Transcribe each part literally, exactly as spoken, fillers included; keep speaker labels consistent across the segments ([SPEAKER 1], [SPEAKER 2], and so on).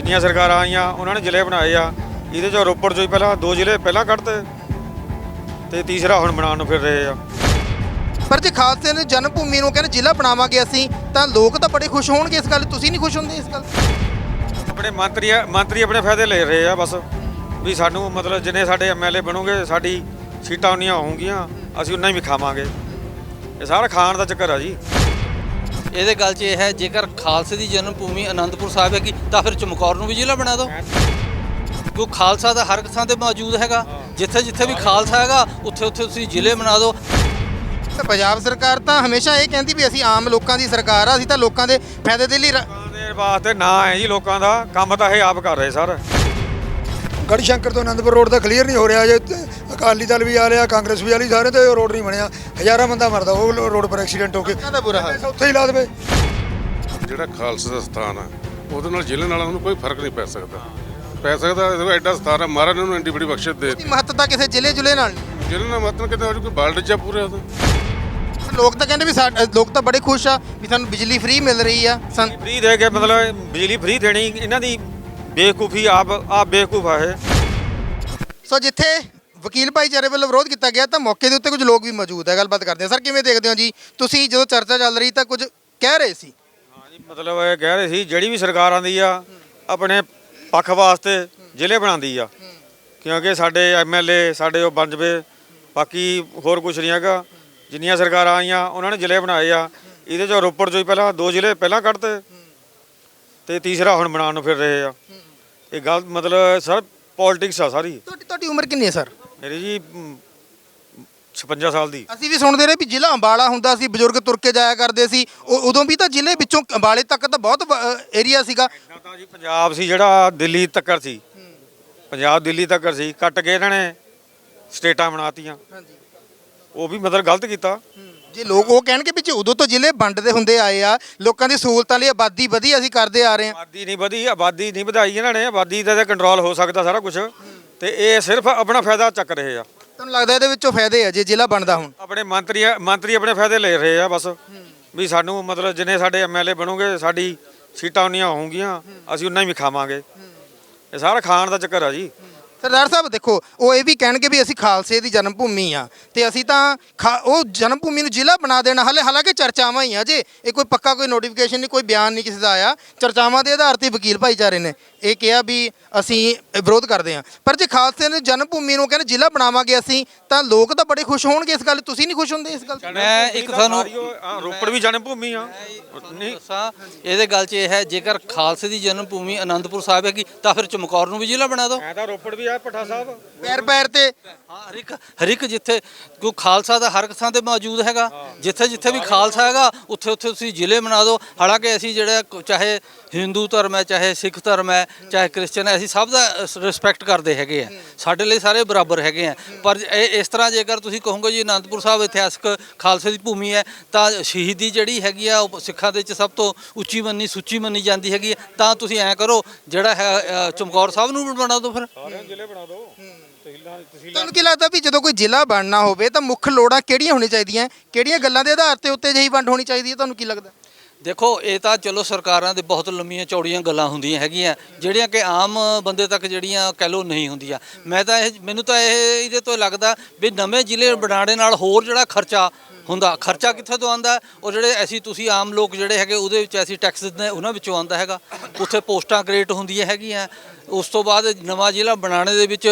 [SPEAKER 1] ਜਿੰਨੀਆਂ ਸਰਕਾਰਾਂ ਆਈਆਂ ਉਹਨਾਂ ਨੇ ਜ਼ਿਲ੍ਹੇ ਬਣਾਏ ਆ। ਇਹਦੇ 'ਚੋਂ ਰੋਪੜ 'ਚੋਂ ਹੀ ਪਹਿਲਾਂ ਦੋ ਜ਼ਿਲ੍ਹੇ ਪਹਿਲਾਂ ਕੱਢਤੇ ਤੇ ਤੀਸਰਾ ਹੁਣ ਬਣਾਉਣ ਨੂੰ ਫਿਰ ਰਹੇ ਆ।
[SPEAKER 2] ਪਰ ਜੇ ਖਾਲਸੇ ਨੇ ਜਨਮ ਭੂਮੀ ਨੂੰ ਕਹਿੰਦੇ ਜ਼ਿਲ੍ਹਾ ਬਣਾਵਾਂਗੇ ਅਸੀਂ, ਤਾਂ ਲੋਕ ਤਾਂ ਬੜੇ ਖੁਸ਼ ਹੋਣਗੇ ਇਸ ਗੱਲ। ਤੁਸੀਂ ਨਹੀਂ ਖੁਸ਼ ਹੁੰਦੇ ਇਸ ਗੱਲ?
[SPEAKER 1] ਆਪਣੇ ਮੰਤਰੀ ਮੰਤਰੀ ਆਪਣੇ ਫਾਇਦੇ ਲੈ ਰਹੇ ਆ ਬਸ, ਵੀ ਸਾਨੂੰ ਮਤਲਬ ਜਿੰਨੇ ਸਾਡੇ ਐਮ ਐਲ ਏ ਬਣੋਗੇ ਸਾਡੀ ਸੀਟਾਂ ਉਨੀਆਂ ਹੋਣਗੀਆਂ, ਅਸੀਂ ਉਨਾ ਹੀ ਵੀ ਖਾਵਾਂਗੇ। ਇਹ ਸਾਰਾ ਖਾਣ ਦਾ ਚੱਕਰ ਆ ਜੀ।
[SPEAKER 3] ਇਹਦੇ ਗੱਲ 'ਚ ਇਹ ਹੈ, ਜੇਕਰ ਖਾਲਸੇ ਦੀ ਜਨਮ ਭੂਮੀ ਅਨੰਦਪੁਰ ਸਾਹਿਬ ਹੈਗੀ ਤਾਂ ਫਿਰ ਚਮਕੌਰ ਨੂੰ ਵੀ ਜ਼ਿਲ੍ਹਾ ਬਣਾ ਦਿਓ, ਕਿਉਂ ਖਾਲਸਾ ਦਾ ਹਰ ਥਾਂ ਤੇ ਮੌਜੂਦ ਹੈਗਾ। ਜਿੱਥੇ ਜਿੱਥੇ ਵੀ ਖਾਲਸਾ ਹੈਗਾ ਉੱਥੇ ਉੱਥੇ ਤੁਸੀਂ ਜ਼ਿਲ੍ਹੇ ਬਣਾ ਦਿਓ।
[SPEAKER 2] ਪੰਜਾਬ ਸਰਕਾਰ ਤਾਂ ਹਮੇਸ਼ਾ ਇਹ ਕਹਿੰਦੀ ਵੀ ਅਸੀਂ ਆਮ ਲੋਕਾਂ ਦੀ ਸਰਕਾਰ ਆ, ਅਸੀਂ ਤਾਂ ਲੋਕਾਂ ਦੇ ਫਾਇਦੇ ਦੇ ਲਈ ਰ-
[SPEAKER 1] ਲੋਕਾਂ ਦੇ ਵਾਸਤੇ ਨਾ ਹੈ ਜੀ, ਲੋਕਾਂ ਦਾ ਕੰਮ ਤਾਂ ਇਹ ਆਪ ਕਰ ਰਹੇ ਸਰ।
[SPEAKER 4] ਗੜ੍ਹਸ਼ੰਕਰ ਤੋਂ ਆਨੰਦਪੁਰ ਰੋਡ ਤਾਂ ਕਲੀਅਰ ਨਹੀਂ ਹੋ ਰਿਹਾ ਜੇ। ਅਕਾਲੀ ਦਲ ਵੀ ਆ ਰਿਹਾ, ਕਾਂਗਰਸ ਵੀ ਆ ਰਹੀ, ਸਾਰੇ ਤੇ ਰੋਡ ਨਹੀਂ ਬਣਿਆ। ਹਜ਼ਾਰਾਂ ਬੰਦਾ ਮਰਦਾ ਉਹ ਰੋਡ ਪਰ ਐਕਸੀਡੈਂਟ ਹੋ ਕੇ।
[SPEAKER 2] ਦਾ ਬੁਰਾ ਹਾਲ।
[SPEAKER 4] ਉੱਥੇ ਹੀ ਲਾ ਦੇਵੇ।
[SPEAKER 5] ਜਿਹੜਾ ਖਾਲਸਾ ਦਾ ਸਥਾਨ ਆ ਉਹਦੇ ਨਾਲ ਜ਼ਿਲ੍ਹੇ ਨਾਲ ਉਹਨੂੰ ਕੋਈ ਫਰਕ ਨਹੀਂ ਪੈ ਸਕਦਾ ਪੈ ਸਕਦਾ ਦੇਖੋ ਐਡਾ ਸਥਾਨ ਆ, ਮਹਾਰਾਜ ਨੇ ਉਹਨੂੰ ਐਡੀ ਬੜੀ ਬਖਸ਼ਿਸ਼ ਦੇ
[SPEAKER 2] ਦੀ ਮਹੱਤਤਾ ਕਿਸੇ ਜ਼ਿਲ੍ਹੇ ਜੁਲੇ ਨਾਲ ਨਹੀਂ।
[SPEAKER 5] ਜ਼ਿਲ੍ਹੇ ਨਾਲ ਮਤਲਬ ਕਿਤੇ ਕੋਈ ਬਾਲਡ ਜਾਂ ਪੂਰੇ ਉਹਦਾ।
[SPEAKER 2] ਲੋਕ ਤਾਂ ਕਹਿੰਦੇ ਵੀ ਸਾਡੇ ਲੋਕ ਤਾਂ ਬੜੇ ਖੁਸ਼ ਆ ਵੀ ਸਾਨੂੰ ਬਿਜਲੀ ਫ੍ਰੀ ਮਿਲ ਰਹੀ ਆ। ਸਨ
[SPEAKER 1] ਫ੍ਰੀ ਦੇ ਕੇ ਮਤਲਬ ਬਿਜਲੀ ਫ੍ਰੀ ਦੇਣੀ ਇਹਨਾਂ ਦੀ ਬੇਵਕੂਫੀ, ਆਪ ਆਪ ਬੇਵਕੂਫ ਆ ਇਹ।
[SPEAKER 2] ਸੋ ਜਿੱਥੇ ਵਕੀਲ ਭਾਈਚਾਰੇ ਵੱਲੋਂ ਵਿਰੋਧ ਕੀਤਾ ਗਿਆ ਤਾਂ ਮੌਕੇ ਦੇ ਉੱਤੇ ਕੁਝ ਲੋਕ ਵੀ ਮੌਜੂਦ ਹੈ। ਗੱਲਬਾਤ ਕਰਦੇ ਹਾਂ। ਸਰ ਕਿਵੇਂ ਦੇਖਦੇ ਹੋ ਜੀ ਤੁਸੀਂ, ਜਦੋਂ ਚਰਚਾ ਚੱਲ ਰਹੀ ਤਾਂ ਕੁਝ ਕਹਿ ਰਹੇ ਸੀ?
[SPEAKER 1] ਹਾਂ ਜੀ, ਮਤਲਬ ਇਹ ਕਹਿ ਰਹੇ ਸੀ ਜਿਹੜੀ ਵੀ ਸਰਕਾਰ ਆਉਂਦੀ ਆ ਆਪਣੇ ਪੱਖ ਵਾਸਤੇ ਜ਼ਿਲ੍ਹੇ ਬਣਾਉਂਦੀ ਆ, ਕਿਉਂਕਿ ਸਾਡੇ ਐਮ ਐਲ ਏ ਸਾਡੇ ਉਹ ਬਣ ਜਵੇ, ਬਾਕੀ ਹੋਰ ਕੁਝ ਨਹੀਂ ਹੈਗਾ। ਜਿੰਨੀਆਂ ਸਰਕਾਰਾਂ ਆਈਆਂ ਉਹਨਾਂ ਨੇ ਜ਼ਿਲ੍ਹੇ ਬਣਾਏ ਆ। ਇਹਦੇ 'ਚੋਂ ਰੋਪੜ 'ਚੋਂ ਹੀ ਪਹਿਲਾਂ ਦੋ ਜ਼ਿਲ੍ਹੇ ਪਹਿਲਾਂ ਕੱਢਤੇ ਤੇ ਤੀਸਰਾ ਹੁਣ ਬਣਾਉਣ ਨੂੰ ਫਿਰ ਰਹੇ ਆ। ਇਹ ਗੱਲ ਮਤਲਬ ਸਰ ਪੋਲਿਟਿਕਸ ਆ ਸਾਰੀ।
[SPEAKER 2] ਤੁਹਾਡੀ ਤੁਹਾਡੀ ਉਮਰ ਕਿੰਨੀ ਹੈ ਸਰ?
[SPEAKER 1] ਮੇਰੀ ਜੀ ਛਪੰਜਾ ਸਾਲ ਦੀ।
[SPEAKER 2] ਅਸੀਂ ਵੀ ਸੁਣਦੇ ਰਹੇ ਵੀ ਜ਼ਿਲ੍ਹਾ ਅੰਬਾਲਾ ਹੁੰਦਾ ਸੀ, ਬਜ਼ੁਰਗ ਤੁਰ ਕੇ ਜਾਇਆ ਕਰਦੇ ਸੀ। ਉਹ ਉਦੋਂ ਵੀ ਤਾਂ ਜ਼ਿਲ੍ਹੇ ਵਿੱਚੋਂ ਅੰਬਾਲੇ ਤੱਕ ਤਾਂ ਬਹੁਤ ਏਰੀਆ ਸੀਗਾ।
[SPEAKER 1] ਇੱਦਾਂ ਤਾਂ ਜੀ ਪੰਜਾਬ ਸੀ ਜਿਹੜਾ ਦਿੱਲੀ ਤੱਕਰ ਸੀ, ਪੰਜਾਬ ਦਿੱਲੀ ਤੱਕਰ ਸੀ, ਕੱਟ ਕੇ ਇਹਨਾਂ ਨੇ ਸਟੇਟਾਂ ਬਣਾਤੀਆਂ। ਉਹ ਵੀ ਮਤਲਬ ਗਲਤ ਕੀਤਾ।
[SPEAKER 2] ਜੇ ਲੋਕ ਉਹ ਕਹਿਣਗੇ ਵੀ ਜੇ ਉਦੋਂ ਤੋਂ ਜ਼ਿਲ੍ਹੇ ਵੰਡਦੇ ਹੁੰਦੇ ਆਏ ਆ, ਲੋਕਾਂ ਦੀ ਸਹੂਲਤਾਂ ਲਈ ਆਬਾਦੀ ਵਧੀ, ਅਸੀਂ ਕਰਦੇ ਆ ਰਹੇ ਹਾਂ।
[SPEAKER 1] ਆਬਾਦੀ ਨਹੀਂ ਵਧੀ, ਆਬਾਦੀ ਨਹੀਂ ਵਧਾਈ ਇਹਨਾਂ ਨੇ। ਆਬਾਦੀ ਦਾ ਤਾਂ ਕੰਟਰੋਲ ਹੋ ਸਕਦਾ ਸਾਰਾ ਕੁਝ, ਤੇ ਇਹ ਸਿਰਫ ਆਪਣਾ ਫਾਇਦਾ ਚੱਕ ਰਹੇ ਆ।
[SPEAKER 2] ਤੁਹਾਨੂੰ ਲੱਗਦਾ ਇਹਦੇ ਵਿੱਚੋਂ ਫਾਇਦੇ ਆ ਜੇ ਜ਼ਿਲ੍ਹਾ ਬਣਦਾ ਹੁਣ?
[SPEAKER 1] ਆਪਣੇ ਮੰਤਰੀ ਮੰਤਰੀ ਆਪਣੇ ਫਾਇਦੇ ਲੈ ਰਹੇ ਆ ਬਸ, ਵੀ ਸਾਨੂੰ ਮਤਲਬ ਜਿੰਨੇ ਸਾਡੇ ਐਮ ਐਲ ਏ ਬਣੋਗੇ ਸਾਡੀ ਸੀਟਾਂ ਉਨੀਆਂ ਹੋਣਗੀਆਂ, ਅਸੀਂ ਉਨਾ ਹੀ ਵੀ ਖਾਵਾਂਗੇ। ਇਹ ਸਾਰਾ ਖਾਣ ਦਾ ਚੱਕਰ ਆ ਜੀ।
[SPEAKER 2] ਸਰਦਾਰ ਸਾਹਿਬ ਦੇਖੋ, ਉਹ ਇਹ ਵੀ ਕਹਿਣਗੇ ਵੀ ਅਸੀਂ ਖਾਲਸੇ ਦੀ ਜਨਮ ਭੂਮੀ ਆ ਤੇ ਅਸੀਂ ਤਾਂ ਖਾ ਉਹ ਜਨਮ ਭੂਮੀ ਨੂੰ ਜ਼ਿਲ੍ਹਾ ਬਣਾ ਦੇਣਾ। ਹਾਲੇ ਹਾਲਾਂਕਿ ਚਰਚਾਵਾਂ ਹੀ ਆ, ਜੇ ਇਹ ਕੋਈ ਪੱਕਾ ਕੋਈ ਨੋਟੀਫਿਕੇਸ਼ਨ ਨਹੀਂ, ਕੋਈ ਬਿਆਨ ਨਹੀਂ ਕਿਸੇ ਦਾ ਆਇਆ। ਚਰਚਾਵਾਂ ਦੇ ਆਧਾਰ ਤੇ ਵਕੀਲ ਭਾਈਚਾਰੇ ਨੇ ਇਹ ਕਿਹਾ ਵੀ ਅਸੀਂ ਵਿਰੋਧ ਕਰਦੇ ਹਾਂ। ਪਰ ਜੇ ਖਾਲਸੇ ਨੇ ਜਨਮ ਭੂਮੀ ਨੂੰ ਕਹਿੰਦੇ ਜ਼ਿਲ੍ਹਾ ਬਣਾਵਾਂਗੇ ਅਸੀਂ, ਤਾਂ ਲੋਕ ਤਾਂ ਬੜੇ ਖੁਸ਼ ਹੋਣਗੇ ਇਸ ਗੱਲ। ਤੁਸੀਂ ਨਹੀਂ ਖੁਸ਼ ਹੁੰਦੇ ਇਸ ਗੱਲ?
[SPEAKER 3] ਮੈਂ ਇੱਕ ਤੁਹਾਨੂੰ
[SPEAKER 1] ਰੋਪੜ ਵੀ ਜਨਮ ਭੂਮੀ ਆ। ਨਹੀਂ
[SPEAKER 3] ਦੱਸਾਂ, ਇਹਦੇ ਗੱਲ 'ਚ ਇਹ ਹੈ, ਜੇਕਰ ਖਾਲਸੇ ਦੀ ਜਨਮ ਭੂਮੀ ਅਨੰਦਪੁਰ ਸਾਹਿਬ ਹੈਗੀ ਤਾਂ ਫਿਰ ਚਮਕੌਰ ਨੂੰ ਵੀ ਜ਼ਿਲ੍ਹਾ ਬਣਾ ਦਿਓ।
[SPEAKER 1] ਐ ਤਾਂ ਰੋਪੜ ਵੀ ਆ ਭੱਠਾ ਸਾਹਿਬ।
[SPEAKER 2] ਪੈਰ ਪੈਰ ਤੇ
[SPEAKER 3] ਹਾਂ, ਹਰ ਇੱਕ ਹਰ ਇੱਕ ਜਿੱਥੇ ਕੋਈ ਖਾਲਸਾ ਦਾ ਹਰ ਥਾਂ ਤੇ ਮੌਜੂਦ ਹੈਗਾ। ਜਿੱਥੇ ਜਿੱਥੇ ਵੀ ਖਾਲਸਾ ਹੈਗਾ ਉੱਥੇ ਉੱਥੇ ਤੁਸੀਂ ਜ਼ਿਲ੍ਹੇ ਬਣਾ ਦਿਓ। ਹਾਲਾਂਕਿ ਅਸੀਂ ਜਿਹੜਾ ਚਾਹੇ ਹਿੰਦੂ ਧਰਮ ਹੈ, ਚਾਹੇ ਸਿੱਖ ਧਰਮ ਹੈ, ਚਾਹੇ ਕ੍ਰਿਸਚਨ ਹੈ, ਅਸੀਂ ਸਭ ਦਾ ਰਿਸਪੈਕਟ ਕਰਦੇ ਹੈਗੇ ਆ। ਸਾਡੇ ਲਈ ਸਾਰੇ ਬਰਾਬਰ ਹੈਗੇ ਆ। ਪਰ ਇਹ ਇਸ ਤਰ੍ਹਾਂ ਜੇਕਰ ਤੁਸੀਂ ਕਹੋਗੇ ਜੀ ਅਨੰਦਪੁਰ ਸਾਹਿਬ ਇਤਿਹਾਸਕ ਖਾਲਸੇ ਦੀ ਭੂਮੀ ਹੈ, ਤਾਂ ਸ਼ਹੀਦੀ ਜਿਹੜੀ ਹੈਗੀ ਆ ਉਹ ਸਿੱਖਾਂ ਦੇ ਵਿੱਚ ਸਭ ਤੋਂ ਉੱਚੀ ਮੰਨੀ ਸੁੱਚੀ ਮੰਨੀ ਜਾਂਦੀ ਹੈਗੀ ਹੈ। ਤਾਂ ਤੁਸੀਂ ਐਂ ਕਰੋ, ਜਿਹੜਾ ਹੈ ਚਮਕੌਰ ਸਾਹਿਬ ਨੂੰ ਬਣਾ ਦਿਓ। ਫਿਰ
[SPEAKER 1] ਜ਼ਿਲ੍ਹੇ ਬਣਾ ਦਿਓ।
[SPEAKER 2] ਤੁਹਾਨੂੰ ਕੀ ਲੱਗਦਾ ਵੀ ਜਦੋਂ ਕੋਈ ਜ਼ਿਲ੍ਹਾ ਬਣਨਾ ਹੋਵੇ ਤਾਂ ਮੁੱਖ ਲੋੜਾਂ ਕਿਹੜੀਆਂ ਹੋਣੀਆਂ ਚਾਹੀਦੀਆਂ, ਕਿਹੜੀਆਂ ਗੱਲਾਂ ਦੇ ਆਧਾਰ ਤੇ ਉੱਤੇ ਜਿਹੀ ਵੰਡ ਹੋਣੀ ਚਾਹੀਦੀ ਹੈ? ਤੁਹਾਨੂੰ ਕੀ ਲੱਗਦਾ?
[SPEAKER 3] ਦੇਖੋ, ਇਹ ਤਾਂ ਚਲੋ ਸਰਕਾਰਾਂ ਦੇ ਬਹੁਤ ਲੰਮੀਆਂ ਚੌੜੀਆਂ ਗੱਲਾਂ ਹੁੰਦੀਆਂ ਹੈਗੀਆਂ, ਜਿਹੜੀਆਂ ਕਿ ਆਮ ਬੰਦੇ ਤੱਕ ਜਿਹੜੀਆਂ ਕਹਿ ਲਓ ਨਹੀਂ ਹੁੰਦੀਆਂ। ਮੈਂ ਤਾਂ ਇਹ ਮੈਨੂੰ ਤਾਂ ਇਹ ਇਹਦੇ ਤੋਂ ਲੱਗਦਾ ਵੀ ਨਵੇਂ ਜ਼ਿਲ੍ਹੇ ਬਣਾਉਣੇ ਨਾਲ ਹੋਰ ਜਿਹੜਾ ਖਰਚਾ ਹੁੰਦਾ, ਖਰਚਾ ਕਿੱਥੇ ਤੋਂ ਆਉਂਦਾ? ਉਹ ਜਿਹੜੇ ਅਸੀਂ ਤੁਸੀਂ ਆਮ ਲੋਕ ਜਿਹੜੇ ਹੈਗੇ ਉਹਦੇ ਵਿੱਚ ਅਸੀਂ ਟੈਕਸ ਦਿੰਦੇ ਨੇ, ਉਹਨਾਂ ਵਿੱਚੋਂ ਆਉਂਦਾ ਹੈਗਾ। ਉੱਥੇ ਪੋਸਟਾਂ ਕ੍ਰੀਏਟ ਹੁੰਦੀਆਂ ਹੈਗੀਆਂ। ਉਸ ਤੋਂ ਬਾਅਦ ਨਵਾਂ ਜ਼ਿਲ੍ਹਾ ਬਣਾਉਣੇ ਦੇ ਵਿੱਚ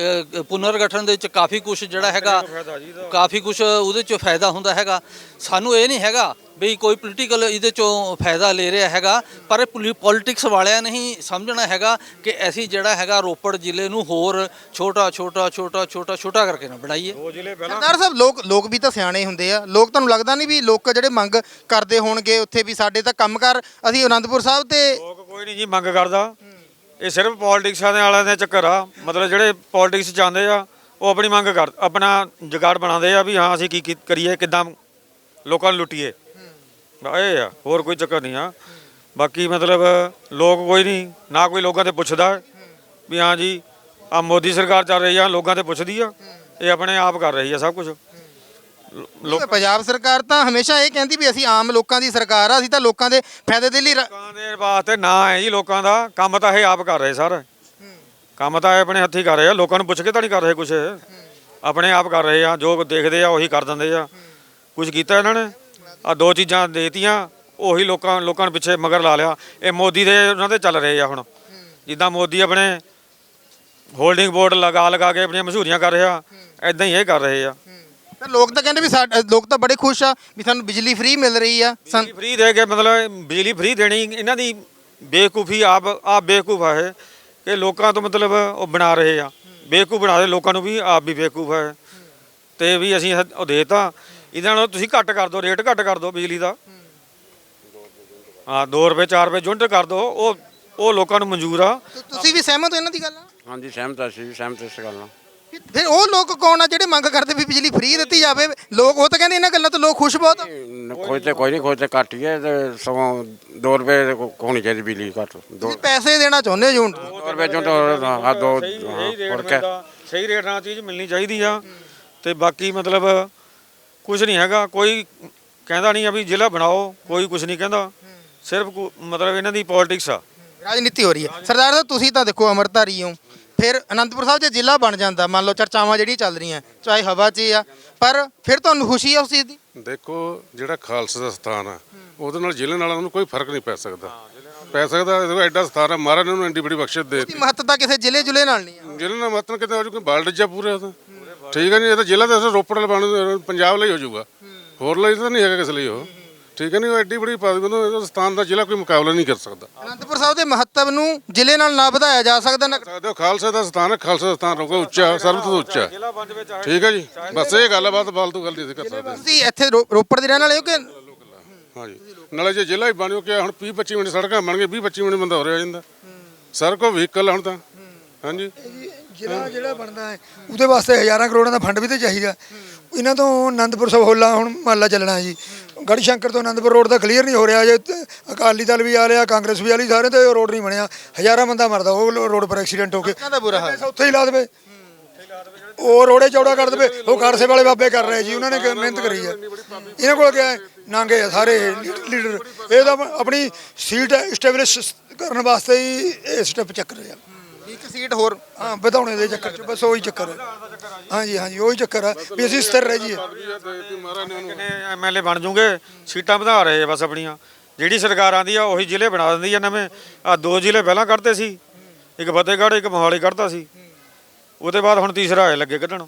[SPEAKER 3] ਪੁਨਰ ਗਠਨ ਦੇ ਵਿੱਚ ਕਾਫੀ ਕੁਝ ਜਿਹੜਾ ਹੈਗਾ, ਕਾਫੀ ਕੁਝ ਉਹਦੇ 'ਚੋਂ ਫਾਇਦਾ ਹੁੰਦਾ ਹੈਗਾ। ਸਾਨੂੰ ਇਹ ਨਹੀਂ ਹੈਗਾ ਵੀ ਕੋਈ ਪੋਲੀਟੀਕਲ ਇਹਦੇ 'ਚੋਂ ਫਾਇਦਾ ਲੈ ਰਿਹਾ ਹੈਗਾ, ਪਰ ਪੋਲੀਟਿਕਸ ਵਾਲਿਆਂ ਨੇ ਹੀ ਸਮਝਣਾ ਹੈਗਾ ਕਿ ਅਸੀਂ ਜਿਹੜਾ ਹੈਗਾ ਰੋਪੜ ਜ਼ਿਲ੍ਹੇ ਨੂੰ ਹੋਰ ਛੋਟਾ ਛੋਟਾ ਛੋਟਾ ਛੋਟਾ ਛੋਟਾ ਕਰਕੇ ਨਾ ਬਣਾਈਏ।
[SPEAKER 2] ਸਰਦਾਰ ਸਾਹਿਬ, ਲੋਕ ਲੋਕ ਵੀ ਤਾਂ ਸਿਆਣੇ ਹੁੰਦੇ ਆ। ਲੋਕ ਤੁਹਾਨੂੰ ਲੱਗਦਾ ਨਹੀਂ ਵੀ ਲੋਕ ਜਿਹੜੇ ਮੰਗ ਕਰਦੇ ਹੋਣਗੇ ਉੱਥੇ ਵੀ ਸਾਡੇ ਤਾਂ ਕੰਮਕਾਰ ਅਸੀਂ ਅਨੰਦਪੁਰ ਸਾਹਿਬ ਤੇ?
[SPEAKER 1] ਲੋਕ ਕੋਈ ਨਹੀਂ ਜੀ ਮੰਗ ਕਰਦਾ। ਇਹ ਸਿਰਫ ਪੋਲਿਟਿਕਸਾਂ ਦੇ ਵਾਲਿਆਂ ਦੇ ਚੱਕਰ ਆ। ਮਤਲਬ ਜਿਹੜੇ ਪੋਲਿਟਿਕਸ ਚਾਹੁੰਦੇ ਆ ਉਹ ਆਪਣੀ ਮੰਗ ਕਰ ਆਪਣਾ ਜੁਗਾੜ ਬਣਾਉਂਦੇ ਆ ਵੀ ਹਾਂ ਅਸੀਂ ਕੀ ਕਰੀਏ, ਕਿੱਦਾਂ ਲੋਕਾਂ ਨੂੰ ਲੁੱਟੀਏ। ਇਹ ਆ, ਹੋਰ ਕੋਈ ਚੱਕਰ ਨਹੀਂ ਆ। ਬਾਕੀ ਮਤਲਬ ਲੋਕ ਕੋਈ ਨਹੀਂ ਨਾ ਕੋਈ ਲੋਕਾਂ ਤੇ ਪੁੱਛਦਾ ਵੀ ਹਾਂ ਜੀ ਆ ਮੋਦੀ ਸਰਕਾਰ ਚੱਲ ਰਹੀ ਆ, ਲੋਕਾਂ ਤੇ ਪੁੱਛਦੀ ਆ। ਇਹ ਆਪਣੇ ਆਪ ਕਰ ਰਹੀ ਆ ਸਭ ਕੁਝ। ਲੋਕਾਂ
[SPEAKER 2] ਪੰਜਾਬ ਸਰਕਾਰ ਤਾਂ ਹਮੇਸ਼ਾ ਇਹ ਕਹਿੰਦੀ ਵੀ ਅਸੀਂ ਆਮ ਲੋਕਾਂ ਦੀ ਸਰਕਾਰ ਆ, ਅਸੀਂ ਤਾਂ ਲੋਕਾਂ ਦੇ ਫਾਇਦੇ ਦੇ ਲਈ ਰ-
[SPEAKER 1] ਦੇ ਵਾਸਤੇ ਨਾ ਹੈ ਜੀ ਲੋਕਾਂ ਦਾ ਕੰਮ ਤਾਂ ਇਹ ਆਪ ਕਰ ਰਹੇ ਸਰ ਕੰਮ ਤਾਂ ਇਹ ਆਪਣੇ ਹੱਥੀਂ ਕਰ ਰਹੇ ਆ ਲੋਕਾਂ ਨੂੰ ਪੁੱਛ ਕੇ ਤਾਂ ਨਹੀਂ ਕਰ ਰਹੇ ਕੁਛ ਆਪਣੇ ਆਪ ਕਰ ਰਹੇ ਆ ਜੋ ਦੇਖਦੇ ਆ ਉਹੀ ਕਰ ਦਿੰਦੇ ਆ ਕੁਝ ਕੀਤਾ ਇਹਨਾਂ ਨੇ ਆ ਦੋ ਚੀਜ਼ਾਂ ਦੇਤੀਆਂ ਉਹੀ ਲੋਕਾਂ ਲੋਕਾਂ ਨੂੰ ਪਿੱਛੇ ਮਗਰ ਲਾ ਲਿਆ ਇਹ ਮੋਦੀ ਦੇ ਉਹਨਾਂ ਦੇ ਚੱਲ ਰਹੇ ਆ ਹੁਣ ਜਿੱਦਾਂ ਮੋਦੀ ਆਪਣੇ ਹੋਲਡਿੰਗ ਬੋਰਡ ਲਗਾ ਲਗਾ ਕੇ ਆਪਣੀਆਂ ਮਸ਼ਹੂਰੀਆਂ ਕਰ ਰਿਹਾ ਐਦਾਂ ਹੀ ਇਹ ਕਰ ਰਹੇ ਆ
[SPEAKER 2] ਤਾਂ ਲੋਕ ਤਾਂ ਕਹਿੰਦੇ ਵੀ ਸਾ- ਲੋਕ ਤਾਂ ਬੜੇ ਖੁਸ਼ ਆ ਵੀ ਸਾਨੂੰ ਬਿਜਲੀ ਫ੍ਰੀ ਮਿਲ ਰਹੀ ਆ ਸਨ-
[SPEAKER 1] ਬਿਜਲੀ ਫ੍ਰੀ ਦੇ ਕੇ ਮਤਲਬ ਬਿਜਲੀ ਫ੍ਰੀ ਦੇਣੀ ਇਹਨਾਂ ਦੀ ਬੇਵਕੂਫੀ ਆਪ ਆਪ ਬੇਵਕੂਫ ਆ ਇਹ ਕਿ ਲੋਕਾਂ ਤੋਂ ਮਤਲਬ ਉਹ ਬਣਾ ਰਹੇ ਆ ਬੇਵਕੂਫ ਬਣਾ ਰਹੇ ਲੋਕਾਂ ਨੂੰ ਵੀ ਆਪ ਵੀ ਬੇਵਕੂਫ ਹੈ ਤੇ ਵੀ ਅਸੀਂ ਇਹ- ਉਹ ਦੇਤਾ ਇਹਨਾਂ ਨੂੰ ਤੁਸੀਂ ਘੱਟ ਕਰ ਦਿਓ ਰੇਟ ਘੱਟ ਕਰ ਦਿਓ ਬਿਜਲੀ ਦਾ ਹਾਂ ਦੋ ਰੁਪਏ ਚਾਰ ਰੁਪਏ ਯੂਨਿਟ ਕਰ ਦਿਓ ਉਹ ਉਹ ਲੋਕਾਂ ਨੂੰ ਮਨਜ਼ੂਰ ਆ
[SPEAKER 2] ਤੁ- ਤੁਸੀਂ ਵੀ ਸਹਿਮਤ ਹੋ ਇਹਨਾਂ ਦੀ ਗੱਲ ਨਾਲ
[SPEAKER 6] ਹਾਂਜੀ ਸਹਿਮਤ ਅਸੀਂ ਵੀ ਸਹਿਮਤ ਇਸ ਗੱਲ ਨਾਲ
[SPEAKER 2] ਫਿਰ- ਫਿਰ ਉਹ ਲੋਕ ਕੌਣ ਆ ਜਿਹੜੇ ਮੰਗ ਕਰਦੇ ਵੀ ਬਿਜਲੀ ਫ੍ਰੀ ਦਿੱਤੀ ਜਾਵੇ ਲੋਕ ਉਹ ਤਾਂ ਕਹਿੰਦੇ ਇਹਨਾਂ ਗੱਲਾਂ ਤੋਂ ਲੋਕ ਖੁਸ਼ ਬਹੁਤ ਆ
[SPEAKER 6] ਇਹ ਕੋਈ ਤੇ ਕੋਈ ਨਹੀਂ ਕੋਈ ਤੇ ਘੱਟ ਹੀ ਹੈ ਤੇ ਸਗੋਂ ਦੋ ਰੁਪਏ ਤੇ ਕੋ- ਹੋਣੀ ਚਾਹੀਦੀ ਬਿਜਲੀ ਘੱਟ ਦੋ
[SPEAKER 2] ਤੁਸੀਂ ਪੈਸੇ ਦੇਣਾ ਚਾਹੁੰਦੇ ਹੋ ਜੂਨ
[SPEAKER 6] ਦੋ ਰੁਪਏ ਚੋਂ ਤਾਂ ਆ ਦੋ
[SPEAKER 1] ਸਹੀ ਸਹੀ
[SPEAKER 6] ਹਾਂ,
[SPEAKER 1] ਰੇਟ
[SPEAKER 6] ਹੋਰ ਕਿਆ
[SPEAKER 1] ਮਿਲਦਾ ਸਹੀ ਰੇਟ ਨਾਲ ਚੀਜ਼ ਮਿਲਣੀ ਚਾਹੀਦੀ ਆ ਤੇ ਬਾਕੀ ਮਤਲਬ ਕੁਝ ਨਹੀਂ ਹੈਗਾ ਕੋਈ ਕਹਿੰਦਾ ਨਹੀਂ ਆ ਵੀ ਜ਼ਿਲ੍ਹਾ ਬਣਾਓ ਕੋਈ ਕੁਝ ਨਹੀਂ ਕਹਿੰਦਾ ਸਿਰਫ ਕੋ- ਮਤਲਬ ਇਹਨਾਂ ਦੀ ਪੋਲਿਟਿਕਸ ਆ
[SPEAKER 2] ਰਾਜਨੀਤੀ ਹੋ ਰਹੀ ਹੈ ਸਰਦਾਰ ਸਾਹਿਬ ਤੁਸੀਂ ਤਾਂ ਦੇਖੋ ਅੰਮ੍ਰਿਤਧਾਰੀ ਹੋ ਫਿਰ ਅਨੰਦਪੁਰ ਸਾਹਿਬ ਜੇ ਜ਼ਿਲ੍ਹਾ ਬਣ ਜਾਂਦਾ ਮੰਨ ਲਓ ਚਰਚਾਵਾਂ ਜਿਹੜੀਆਂ ਚੱਲ ਰਹੀਆਂ ਚਾਹੇ ਹਵਾ 'ਚ ਹੀ ਆ ਪਰ ਫਿਰ ਤੁਹਾਨੂੰ ਖੁਸ਼ੀ ਆ ਉਸ ਚੀਜ਼ ਦੀ
[SPEAKER 5] ਦੇਖੋ ਜਿਹੜਾ ਖਾਲਸਾ ਦਾ ਸਥਾਨ ਆ ਉਹਦੇ ਨਾਲ ਜ਼ਿਲ੍ਹੇ ਨਾਲ ਨੂੰ ਕੋਈ ਫਰਕ ਨਹੀਂ ਪੈ ਸਕਦਾ ਪੈ ਸਕਦਾ ਦੇਖੋ ਐਡਾ ਸਥਾਨ ਆ ਮਹਾਰਾਜ ਨੇ ਉਹਨੂੰ ਐਡੀ ਬੜੀ ਬਖਸ਼ਿਸ਼ ਦੇ
[SPEAKER 2] ਦੀ ਮਹੱਤਤਾ ਕਿਸੇ ਜ਼ਿਲ੍ਹੇ ਜੁਲੇ ਨਾਲ ਨਹੀਂ ਆ
[SPEAKER 5] ਜ਼ਿਲ੍ਹੇ ਨਾਲ ਮਤਲਬ ਕਿਤੇ ਹੋ ਜੂ ਕੋਈ ਬਾਲਡਜਾ ਪੂਰੇ ਉਹਦਾ ਠੀਕ ਹੈ ਨਹੀਂ ਇਹ ਤਾਂ ਜ਼ਿਲ੍ਹਾ ਤਾਂ ਰੋਪੜ ਵਾਲਾ ਬਣ ਪੰਜਾਬ ਲਈ ਹੋ ਜਾਊਗਾ ਹੋਰ ਲਈ ਤਾਂ ਨਹੀਂ ਹੈਗਾ ਕਿਸ ਲਈ ਉਹ ਠੀਕ ਹੈ ਨਹੀਂ ਉਹ ਐਡੀ ਬੜੀ ਪਦਵੀ ਨੂੰ ਇਹਦਾ ਸਥਾਨ ਦਾ ਜ਼ਿਲ੍ਹਾ ਕੋਈ ਮੁਕਾਬਲਾ ਨਹੀਂ ਕਰ ਸਕਦਾ
[SPEAKER 2] ਅਨੰਦਪੁਰ ਸਾਹਿਬ ਦੇ ਮਹੱਤਵ ਨੂੰ ਜ਼ਿਲ੍ਹੇ ਨਾਲ ਨਾ ਵਧਾਇਆ ਜਾ ਸਕਦਾ ਨਾ
[SPEAKER 5] ਸਕਦੇ ਹੋ ਖਾਲਸਾ ਦਾ ਸਥਾਨ ਹੈ ਖਾਲਸਾ ਦਾ ਸਥਾਨ ਰਹੂਗਾ ਉੱਚਾ ਸਰਬਤ ਤੋਂ ਉੱਚਾ ਠੀਕ ਹੈ ਜੀ ਬਸ ਇਹ ਗੱਲ ਹੈ ਬਾਤ ਫਾਲਤੂ ਗੱਲ ਨਹੀਂ ਅਸੀਂ ਕਰ ਸਕਦੇ
[SPEAKER 2] ਤੁਸੀਂ ਇੱਥੇ ਰੋ- ਰੋਪੜ ਦੇ ਰਹਿਣ ਵਾਲੇ ਹੋ ਕਿ
[SPEAKER 5] ਹਾਂਜੀ ਨਾਲੇ ਜੇ ਜ਼ਿਲ੍ਹਾ ਹੀ ਬਣਿਓ ਕਿ ਹੁਣ ਵੀਹ ਪੱਚੀ ਮਿੰਟ ਸੜਕਾਂ ਬਣ ਗਏ ਵੀਹ ਪੱਚੀ ਮਿੰਟ ਬੰਦਾ ਹੋ ਰਿਹਾ ਜਾਂਦਾ ਸੜਕ ਉਹ ਵਹੀਕਲ ਹੁਣ ਤਾਂ ਹਾਂਜੀ
[SPEAKER 4] ਜ਼ਿਲ੍ਹਾ ਜਿਹੜਾ ਬਣਦਾ ਹੈ ਉਹਦੇ ਵਾਸਤੇ ਹਜ਼ਾਰਾਂ ਕਰੋੜਾਂ ਦਾ ਫੰਡ ਵੀ ਤੇ ਚਾਹੀਦਾ ਇਹਨਾਂ ਤੋਂ ਆਨੰਦਪੁਰ ਸਾਹਿਬ ਹੋਲਾ ਹੁਣ ਮਹੱਲਾ ਚੱਲਣਾ ਹੈ ਜੀ ਗੜ੍ਹ ਸ਼ੰਕਰ ਤੋਂ ਆਨੰਦਪੁਰ ਰੋਡ ਦਾ ਕਲੀਅਰ ਨਹੀਂ ਹੋ ਰਿਹਾ ਜੇ ਤੇ ਅਕਾਲੀ ਦਲ ਵੀ ਆ ਰਿਹਾ ਕਾਂਗਰਸ ਵੀ ਆ ਰਹੀ ਸਾਰੇ ਤੇ ਉਹ ਰੋਡ ਨਹੀਂ ਬਣਿਆ ਹਜ਼ਾਰਾਂ ਬੰਦਾ ਮਰਦਾ ਉਹ ਰੋਡ ਪਰ ਐਕਸੀਡੈਂਟ ਹੋ ਕੇ
[SPEAKER 2] ਦਾ ਬੁਰਾ ਹਾਲ
[SPEAKER 4] ਉੱਥੇ ਹੀ ਲਾ ਦੇਵੇ ਉਹ ਰੋੜੇ ਚੌੜਾ ਕਰ ਦੇਵੇ ਉਹ ਕਾਰਸੇ ਵਾਲੇ ਬਾਬੇ ਕਰ ਰਹੇ ਜੀ ਉਹਨਾਂ ਨੇ ਕਿ ਮਿਹਨਤ ਕਰੀ ਹੈ ਇਹਨਾਂ ਕੋਲ ਕਿਹਾ ਨਾਂਗੇ ਆ ਸਾਰੇ ਲੀਡਰ ਇਹ ਤਾਂ ਆਪਣੀ ਸੀਟ ਸਟੈਬਲਿਸ਼ ਕਰਨ ਵਾਸਤੇ ਹੀ ਇਹ ਸਟੈਪ ਚੱਕ ਰਹੇ ਆ
[SPEAKER 2] ਇੱਕ ਸੀਟ ਹੋਰ
[SPEAKER 4] ਹਾਂ ਵਧਾਉਣੇ ਦੇ ਚੱਕਰ ਚ ਬਸ ਉਹੀ ਚੱਕਰ ਹੈ ਹਾਂਜੀ ਹਾਂਜੀ ਉਹੀ ਚੱਕਰ ਆ ਵੀ ਅਸੀਂ ਸਥਿਰ ਰਹਿ ਜਾਈਏ
[SPEAKER 1] ਕਿੰਨੇ ਐਮਐਲਏ ਬਣ ਜੂਗੇ ਸੀਟਾਂ ਵਧਾ ਰਹੇ ਆ ਬਸ ਆਪਣੀਆਂ ਜਿਹੜੀ ਸਰਕਾਰ ਆਂਦੀ ਆ ਉਹੀ ਜ਼ਿਲ੍ਹੇ ਬਣਾ ਦਿੰਦੀ ਆ ਨਵੇਂ ਆ ਦੋ ਜ਼ਿਲ੍ਹੇ ਪਹਿਲਾਂ ਕੱਢਦੇ ਸੀ ਇੱਕ ਫਤਿਹਗੜ੍ਹ ਇੱਕ ਮੋਹਾਲੀ ਕੱਢਦਾ ਸੀ ਉਹਦੇ ਬਾਅਦ ਹੁਣ ਤੀਸਰਾ ਆਏ ਲੱਗੇ ਕੱਢਣ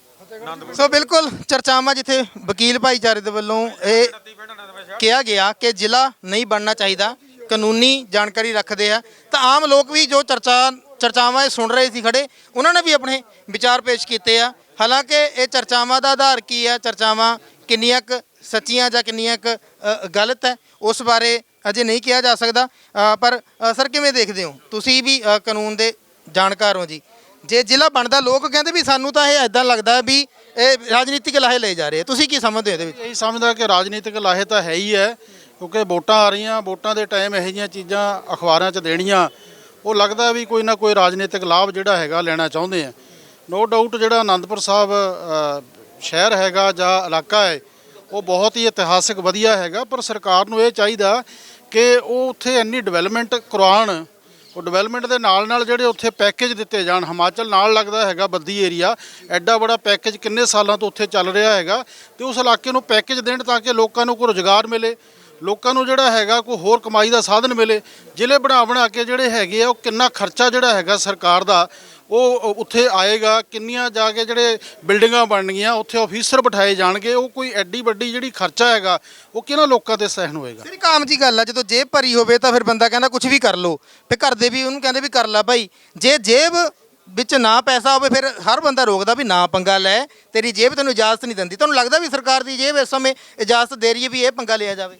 [SPEAKER 2] ਸੋ ਬਿਲਕੁਲ ਚਰਚਾਵਾਂ ਜਿੱਥੇ ਵਕੀਲ ਭਾਈਚਾਰੇ ਦੇ ਵੱਲੋਂ ਇਹ ਕਿਹਾ ਗਿਆ ਕਿ ਜ਼ਿਲ੍ਹਾ ਨਹੀਂ ਬਣਨਾ ਚਾਹੀਦਾ ਕਾਨੂੰਨੀ ਜਾਣਕਾਰੀ ਰੱਖਦੇ ਆ ਤਾਂ ਆਮ ਲੋਕ ਵੀ ਜੋ ਚਰਚਾ ਚਰਚਾਵਾਂ ਇਹ ਸੁਣ ਰਹੇ ਸੀ ਖੜੇ ਉਹਨਾਂ ਨੇ ਵੀ ਆਪਣੇ ਵਿਚਾਰ ਪੇਸ਼ ਕੀਤੇ ਆ ਹਾਲਾਂਕਿ ਇਹ ਚਰਚਾਵਾਂ ਦਾ ਆਧਾਰ ਕੀ ਆ ਚਰਚਾਵਾਂ ਕਿੰਨੀਆਂ ਕੁ ਸੱਚੀਆਂ ਜਾਂ ਕਿੰਨੀਆਂ ਕੁ ਅ, ਗਲਤ ਹੈ ਉਸ ਬਾਰੇ ਅਜੇ ਨਹੀਂ ਕਿਹਾ ਜਾ ਸਕਦਾ ਅ, ਪਰ ਅ, ਸਰ ਕਿਵੇਂ ਦੇਖਦੇ ਹੋ ਤੁਸੀਂ ਵੀ ਅ, ਕਾਨੂੰਨ ਦੇ ਜਾਣਕਾਰ ਹੋ ਜੀ ਜੇ ਜ਼ਿਲ੍ਹਾ ਬਣਦਾ ਲੋਕ ਕਹਿੰਦੇ ਵੀ ਸਾਨੂੰ ਤਾਂ ਇਹ ਐਦਾਂ ਲੱਗਦਾ ਵੀ ਇਹ ਰਾਜਨੀਤਿਕ ਲਾਹੇ ਲਏ ਜਾ ਰਹੇ ਆ ਤੁਸੀਂ ਕੀ ਸਮਝਦੇ ਹੋ ਇਹਦੇ ਵਿੱਚ
[SPEAKER 7] ਇਹੀ ਸਮਝਦਾ ਕਿ ਰਾਜਨੀਤਿਕ ਲਾਹੇ ਤਾਂ ਹੈ ਹੀ ਹੈ ਕਿਉਂਕਿ ਵੋਟਾਂ ਆ ਰਹੀਆਂ ਵੋਟਾਂ ਦੇ ਟਾਈਮ ਇਹੋ ਜਿਹੀਆਂ ਚੀਜ਼ਾਂ ਅਖਬਾਰਾਂ 'ਚ ਦੇਣੀਆਂ ਉਹ ਲੱਗਦਾ ਵੀ ਕੋਈ ਨਾ ਕੋਈ ਰਾਜਨੀਤਿਕ ਲਾਭ ਜਿਹੜਾ ਹੈਗਾ ਲੈਣਾ ਚਾਹੁੰਦੇ ਆ ਨੋ ਡਾਊਟ ਜਿਹੜਾ ਆਨੰਦਪੁਰ ਸਾਹਿਬ ਅ, ਸ਼ਹਿਰ ਹੈਗਾ ਜਾਂ ਇਲਾਕਾ ਹੈ ਉਹ ਬਹੁਤ ਹੀ ਇਤਿਹਾਸਿਕ ਵਧੀਆ ਹੈਗਾ ਪਰ ਸਰਕਾਰ ਨੂੰ ਇਹ ਚਾਹੀਦਾ ਕਿ ਉਹ ਉੱਥੇ ਇੰਨੀ ਡਿਵੈਲਪਮੈਂਟ ਕਰਵਾਉਣ ਉਹ ਡਿਵੈਲਪਮੈਂਟ ਦੇ ਨਾਲ ਨਾਲ ਜਿਹੜੇ ਉੱਥੇ ਪੈਕੇਜ ਦਿੱਤੇ ਜਾਣ ਹਿਮਾਚਲ ਨਾਲ ਲੱਗਦਾ ਹੈਗਾ ਬੱਦੀ ਏਰੀਆ ਐਡਾ ਬੜਾ ਪੈਕੇਜ ਕਿੰਨੇ ਸਾਲਾਂ ਤੋਂ ਉੱਥੇ ਚੱਲ ਰਿਹਾ ਹੈਗਾ ਤੇ ਉਸ ਇਲਾਕੇ ਨੂੰ ਪੈਕੇਜ ਦੇਣ ਤਾਂ ਕਿ ਲੋਕਾਂ ਨੂੰ ਕੋਈ ਰੁਜ਼ਗਾਰ ਮਿਲੇ ਲੋਕਾਂ ਨੂੰ ਜਿਹੜਾ ਹੈਗਾ ਕੋਈ ਹੋਰ ਕਮਾਈ ਦਾ ਸਾਧਨ ਮਿਲੇ ਜ਼ਿਲ੍ਹੇ ਬਣਾ ਬਣਾ ਕੇ ਜਿਹੜੇ ਹੈਗੇ ਆ ਉਹ ਕਿੰਨਾ ਖਰਚਾ ਜਿਹੜਾ ਹੈਗਾ ਸਰਕਾਰ ਦਾ ਉਹ ਉੱਥੇ ਆਏਗਾ ਕਿੰਨੀਆਂ ਜਾ ਕੇ ਜਿਹੜੇ ਬਿਲਡਿੰਗਾਂ ਬਣਨਗੀਆਂ ਉੱਥੇ ਆਫੀਸਰ ਬਿਠਾਏ ਜਾਣਗੇ ਉਹ ਕੋਈ ਐਡੀ ਵੱਡੀ ਜਿਹੜੀ ਖਰਚਾ ਹੈਗਾ ਉਹ ਕਿਹਨਾਂ ਲੋਕਾਂ ਤੇ ਸਹਿਣ ਹੋਏਗਾ
[SPEAKER 2] ਫਿਰ ਇੱਕ ਆਮ ਜੀ ਗੱਲ ਆ ਜਦੋਂ ਜੇਬ ਭਰੀ ਹੋਵੇ ਤਾਂ ਫਿਰ ਬੰਦਾ ਕਹਿੰਦਾ ਕੁਝ ਵੀ ਕਰ ਲੋ ਫਿਰ ਘਰ ਦੇ ਵੀ ਉਹਨੂੰ ਕਹਿੰਦੇ ਵੀ ਕਰ ਲੈ ਭਾਈ ਜੇ ਜੇਬ ਵਿੱਚ ਨਾ ਪੈਸਾ ਹੋਵੇ ਫਿਰ ਹਰ ਬੰਦਾ ਰੋਕਦਾ ਵੀ ਨਾ ਪੰਗਾ ਲੈ ਤੇਰੀ ਜੇਬ ਤੈਨੂੰ ਇਜਾਜ਼ਤ ਨਹੀਂ ਦਿੰਦੀ ਤੁਹਾਨੂੰ ਲੱਗਦਾ ਵੀ ਸਰਕਾਰ ਦੀ ਜੇਬ ਇਸ ਸਮੇਂ ਇਜਾਜ਼ਤ ਦੇ ਰਹੀ ਹੈ ਵੀ ਇਹ ਪੰਗਾ ਲਿਆ ਜਾਵੇ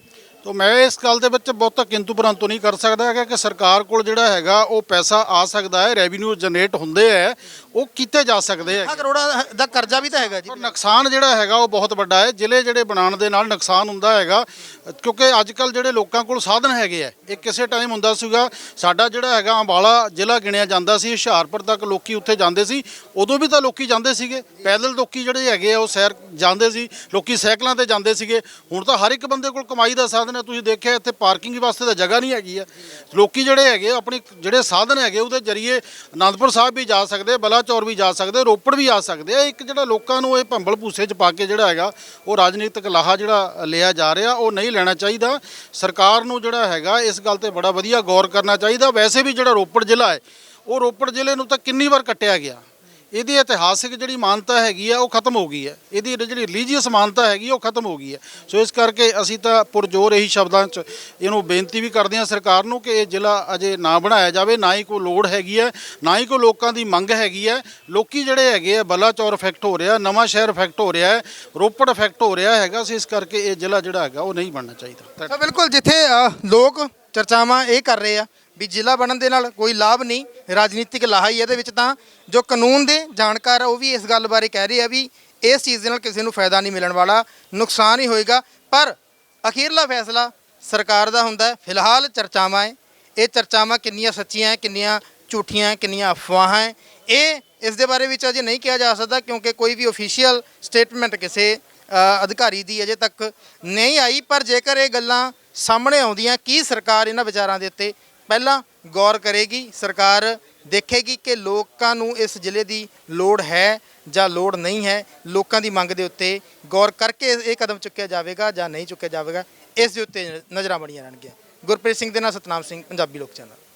[SPEAKER 7] ਤਾਂ ਮੈਂ ਇਸ ਗੱਲ ਦੇ ਵਿੱਚ ਬਹੁਤਾ ਕਿੰਤੂ ਪਰੰਤੂ ਨਹੀਂ ਕਰ ਸਕਦਾ ਹੈਗਾ ਕਿ ਸਰਕਾਰ ਕੋਲ ਜਿਹੜਾ ਹੈਗਾ ਉਹ ਪੈਸਾ ਆ ਸਕਦਾ ਹੈ, ਰੈਵਨਿਊ ਜਨਰੇਟ ਹੁੰਦੇ ਹੈ, ਉਹ ਕੀਤੇ ਜਾ ਸਕਦੇ
[SPEAKER 2] ਲੱਖਾਂ
[SPEAKER 7] ਹੈ।
[SPEAKER 2] ਕਰੋੜਾਂ ਦਾ ਕਰਜ਼ਾ ਵੀ ਤਾਂ ਹੈਗਾ ਜੀ।
[SPEAKER 7] ਪਰ ਨੁਕਸਾਨ ਜਿਹੜਾ ਹੈਗਾ ਉਹ ਬਹੁਤ ਵੱਡਾ ਹੈ। ਜ਼ਿਲ੍ਹੇ ਜਿਹੜੇ ਬਣਾਉਣ ਦੇ ਨਾਲ ਨੁਕਸਾਨ ਹੁੰਦਾ ਹੈਗਾ, ਕਿਉਂਕਿ ਅੱਜ ਕੱਲ ਜਿਹੜੇ ਲੋਕਾਂ ਕੋਲ ਸਾਧਨ ਹੈਗੇ ਆ, ਇਹ ਕਿਸੇ ਟਾਈਮ ਹੁੰਦਾ ਸੀਗਾ ਸਾਡਾ ਜਿਹੜਾ ਹੈਗਾ ਅੰਬਾਲਾ ਜ਼ਿਲ੍ਹਾ ਗਿਣਿਆ ਜਾਂਦਾ ਸੀ, ਹੁਸ਼ਿਆਰਪੁਰ ਤੱਕ ਲੋਕੀ ਉੱਥੇ ਜਾਂਦੇ ਸੀ, ਉਦੋਂ ਵੀ ਤਾਂ ਲੋਕੀ ਜਾਂਦੇ ਸੀਗੇ ਪੈਦਲ, ਲੋਕੀ ਜਿਹੜੇ ਹੈਗੇ ਆ ਉਹ ਸੈਰ ਜਾਂਦੇ ਸੀ, ਲੋਕੀ ਸਾਈਕਲਾਂ ਤੇ ਜਾਂਦੇ ਸੀਗੇ। ਹੁਣ ਤਾਂ ਹਰ ਇੱਕ ਬੰਦੇ ਕੋਲ ਕਮਾਈ ਦਾ ਸਾਧਨ ਹੈ। ਤੁਸੀਂ ਦੇਖਿਆ ਇੱਥੇ ਪਾਰਕਿੰਗ ਵਾਸਤੇ ਤਾਂ ਜਗ੍ਹਾ ਨਹੀਂ ਹੈਗੀ ਆ। ਲੋਕੀ ਜਿਹੜੇ ਹੈਗੇ ਆਪਣੀ ਜਿਹੜੇ ਸਾਧਨ ਹੈਗੇ ਉਹਦੇ ਜਰੀਏ ਅਨੰਦਪੁਰ ਸਾਹਿਬ ਵੀ ਜਾ ਸਕਦੇ, ਬਲਾਚੌਰ ਵੀ ਜਾ ਸਕਦੇ, ਰੋਪੜ ਵੀ ਆ ਸਕਦੇ ਆ। ਇੱਕ ਜਿਹੜਾ ਲੋਕਾਂ ਨੂੰ ਇਹ ਭੰਬਲ ਭੂਸੇ 'ਚ ਪਾ ਕੇ ਜਿਹੜਾ ਹੈਗਾ ਉਹ ਰਾਜਨੀਤਿਕ ਲਾਹਾ ਜਿਹੜਾ ਲਿਆ ਜਾ ਰਿਹਾ ਉਹ ਨਹੀਂ ਲੈਣਾ ਚਾਹੀਦਾ। ਸਰਕਾਰ ਨੂੰ ਜਿਹੜਾ ਹੈਗਾ ਇਸ ਗੱਲ ਤੇ ਬੜਾ ਵਧੀਆ ਗੌਰ ਕਰਨਾ ਚਾਹੀਦਾ। ਵੈਸੇ ਵੀ ਜਿਹੜਾ ਰੋਪੜ ਜ਼ਿਲ੍ਹਾ ਹੈ ਉਹ ਰੋਪੜ ਜ਼ਿਲ੍ਹੇ ਨੂੰ ਤਾਂ ਕਿੰਨੀ ਵਾਰ ਕੱਟਿਆ ਗਿਆ, ਇਹਦੀ ਇਤਿਹਾਸਿਕ ਜਿਹੜੀ ਮਾਨਤਾ ਹੈਗੀ ਆ ਉਹ ਖਤਮ ਹੋ ਗਈ ਹੈ, ਇਹਦੀ ਜਿਹੜੀ ਰਿਲੀਜੀਅਸ ਮਾਨਤਾ ਹੈਗੀ ਉਹ ਖਤਮ ਹੋ ਗਈ ਹੈ। ਸੋ ਇਸ ਕਰਕੇ ਅਸੀਂ ਤਾਂ ਪੁਰਜੋਰ ਇਹੀ ਸ਼ਬਦਾਂ 'ਚ ਇਹਨੂੰ ਬੇਨਤੀ ਵੀ ਕਰਦੇ ਹਾਂ ਸਰਕਾਰ ਨੂੰ ਕਿ ਇਹ ਜ਼ਿਲ੍ਹਾ ਅਜੇ ਨਾ ਬਣਾਇਆ ਜਾਵੇ, ਨਾ ਹੀ ਕੋਈ ਲੋੜ ਹੈਗੀ ਹੈ, ਨਾ ਹੀ ਕੋਈ ਲੋਕਾਂ ਦੀ ਮੰਗ ਹੈਗੀ ਹੈ। ਲੋਕੀ ਜਿਹੜੇ ਹੈਗੇ ਆ ਬਲਾਚੌਰ ਇਫੈਕਟ ਹੋ ਰਿਹਾ, ਨਵਾਂ ਸ਼ਹਿਰ ਇਫੈਕਟ ਹੋ ਰਿਹਾ ਹੈ, ਰੋਪੜ ਇਫੈਕਟ ਹੋ ਰਿਹਾ ਹੈਗਾ। ਸੋ ਇਸ ਕਰਕੇ ਇਹ ਜ਼ਿਲ੍ਹਾ ਜਿਹੜਾ ਹੈਗਾ ਉਹ ਨਹੀਂ ਬਣਨਾ ਚਾਹੀਦਾ।
[SPEAKER 2] ਤਾਂ ਬਿਲਕੁਲ ਜਿੱਥੇ ਅ, ਲੋਕ ਚਰਚਾਵਾਂ ਇਹ ਕਰ ਰਹੇ ਆ ਵੀ ਜ਼ਿਲ੍ਹਾ ਬਣਨ ਦੇ ਨਾਲ ਕੋਈ ਲਾਭ ਨਹੀਂ, ਰਾਜਨੀਤਿਕ ਲਾਹਾ ਹੀ ਇਹਦੇ ਵਿੱਚ, ਤਾਂ ਜੋ ਕਾਨੂੰਨ ਦੇ ਜਾਣਕਾਰ ਆ ਉਹ ਵੀ ਇਸ ਗੱਲ ਬਾਰੇ ਕਹਿ ਰਹੇ ਆ ਵੀ ਇਸ ਚੀਜ਼ ਦੇ ਨਾਲ ਕਿਸੇ ਨੂੰ ਫਾਇਦਾ ਨਹੀਂ ਮਿਲਣ ਵਾਲਾ, ਨੁਕਸਾਨ ਹੀ ਹੋਏਗਾ। ਪਰ ਅਖੀਰਲਾ ਫੈਸਲਾ ਸਰਕਾਰ ਦਾ ਹੁੰਦਾ ਹੈ। ਫਿਲਹਾਲ ਚਰਚਾਵਾਂ ਹੈ, ਇਹ ਚਰਚਾਵਾਂ ਕਿੰਨੀਆਂ ਸੱਚੀਆਂ ਹੈ, ਕਿੰਨੀਆਂ ਝੂਠੀਆਂ ਹੈ, ਕਿੰਨੀਆਂ ਅਫਵਾਹਾਂ ਹੈ, ਇਹ ਇਸ ਦੇ ਬਾਰੇ ਵਿੱਚ ਅਜੇ ਨਹੀਂ ਕਿਹਾ ਜਾ ਸਕਦਾ ਕਿਉਂਕਿ ਕੋਈ ਵੀ ਅਫੀਸ਼ੀਅਲ ਸਟੇਟਮੈਂਟ ਕਿਸੇ ਅ, ਅਧਿਕਾਰੀ ਦੀ ਅਜੇ ਤੱਕ ਨਹੀਂ ਆਈ। ਪਰ ਜੇਕਰ ਇਹ ਗੱਲਾਂ ਸਾਹਮਣੇ ਆਉਂਦੀਆਂ, ਕੀ ਸਰਕਾਰ ਇਹਨਾਂ ਵਿਚਾਰਾਂ ਦੇ ਉੱਤੇ ਪਹਿਲਾਂ ਗੌਰ ਕਰੇਗੀ, ਸਰਕਾਰ ਦੇਖੇਗੀ ਕਿ ਲੋਕਾਂ ਨੂੰ ਇਸ ਜ਼ਿਲ੍ਹੇ ਦੀ ਲੋੜ ਹੈ ਜਾਂ ਲੋੜ ਨਹੀਂ ਹੈ, ਲੋਕਾਂ ਦੀ ਮੰਗ ਦੇ ਉੱਤੇ ਗੌਰ ਕਰਕੇ ਇਹ ਕਦਮ ਚੁੱਕਿਆ ਜਾਵੇਗਾ ਜਾਂ ਨਹੀਂ ਚੁੱਕਿਆ ਜਾਵੇਗਾ, ਇਸ ਦੇ ਉੱਤੇ ਨਜ਼ਰਾਂ ਬਣੀਆਂ ਰਹਿਣਗੀਆਂ। ਗੁਰਪ੍ਰੀਤ ਸਿੰਘ ਦੇ ਨਾਲ ਸਤਨਾਮ ਸਿੰਘ, ਪੰਜਾਬੀ ਲੋਕ ਚੈਨਲ।